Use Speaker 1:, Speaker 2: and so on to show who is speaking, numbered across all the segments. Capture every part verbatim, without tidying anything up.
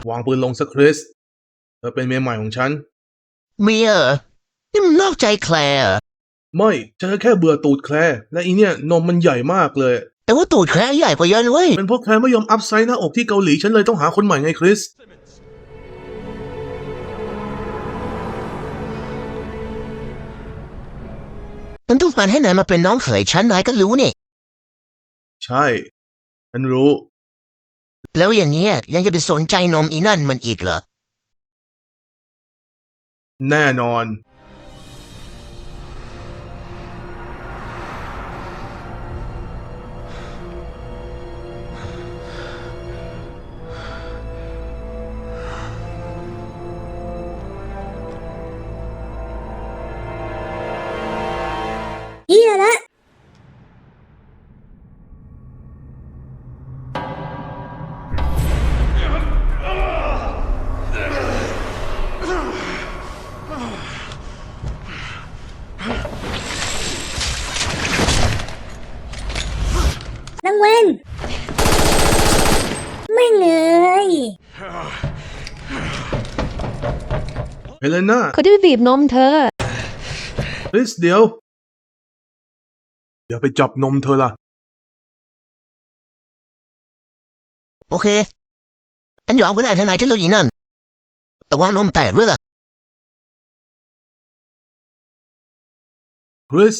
Speaker 1: วางปืนลงสักคริสเธอเป็นเมียใหม่ของฉัน
Speaker 2: เมียเหรอนี่มันนอกใจแคลร์เหรอ
Speaker 1: ไม่ฉันแค่เบื่อตูดแคลร์และอีเนี่ยนมมันใหญ่มากเลย
Speaker 2: แต่ว่าตูดแคลร์ใหญ่กว่าเยอะนะเว้ย
Speaker 1: เป็นเพราะแคลร์ไม่ยอมอัพไซส์หน้าอกที่เกาหลีฉันเลยต้องหาคนใหม่ไงคริส
Speaker 2: มันต้องการให้นายมาเป็นน้องเขยฉันนายก็รู้นี่
Speaker 1: ใช่ฉันรู้
Speaker 2: แล้วอย่างเงี้ยยังจะไปสนใจนมอีนั่นมันอีกเหรอ
Speaker 1: แน่นอน
Speaker 3: เฮียละนางเวนไม่เลย
Speaker 1: เฮเลนา
Speaker 4: เขาจะไปบีบนมเธอ
Speaker 1: คริสเดี๋ยวเดี๋ยวไปจับนมเธอล่ะ
Speaker 2: โอเคฉันยอมก็ได้ทนายฉันรู้อีนั่นแต่ว่านมแตกด้วยล่ะ
Speaker 1: คริส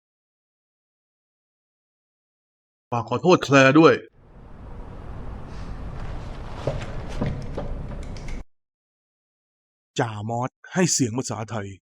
Speaker 1: ฝากขอโทษแคลร์ด้วยจ่ามอสให้เสียงภาษาไทย